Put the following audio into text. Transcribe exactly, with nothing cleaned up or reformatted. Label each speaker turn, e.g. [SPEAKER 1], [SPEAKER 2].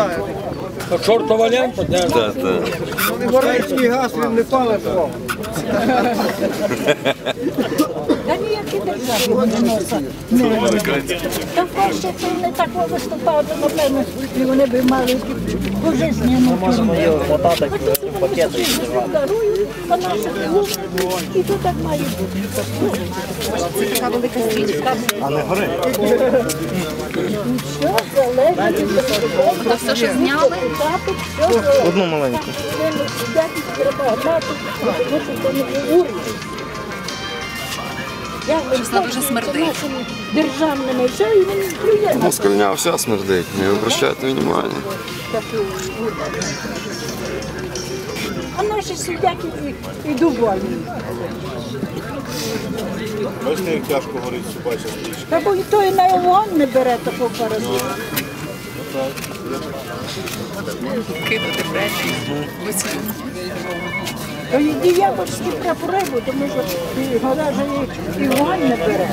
[SPEAKER 1] Чортова лента, де?
[SPEAKER 2] Так, так.
[SPEAKER 3] Горичний газ, він не палить.
[SPEAKER 4] Та ніякі держави вони носять. Та краще це не так виступав, то напевно, і вони б мали пожизнену. Ми можемо її мотати в пакети. Дарують, а наші губи, і то так має бути.
[SPEAKER 5] Це така велика стрічка.
[SPEAKER 3] А не гори.
[SPEAKER 4] Що залежить від того,
[SPEAKER 5] То все, що зняли?
[SPEAKER 3] Одну маленьку.
[SPEAKER 4] якість треба мати, тому що це не уряд.
[SPEAKER 5] Щось вона дуже смердить.
[SPEAKER 4] Державними все, і він плює на
[SPEAKER 2] Москальня вся смердить, не обращайте внимання.
[SPEAKER 4] таку уряд. А наші сидять і, і довольні.
[SPEAKER 6] Бачите, як тяжко горить собача стрічка.
[SPEAKER 4] Та бо і той на вогонь не бере такого паразиту.
[SPEAKER 5] Кидати бречі. Висвітлення.
[SPEAKER 4] То і діявольські прапори, бо тому що і гора же і, і вогонь не бере.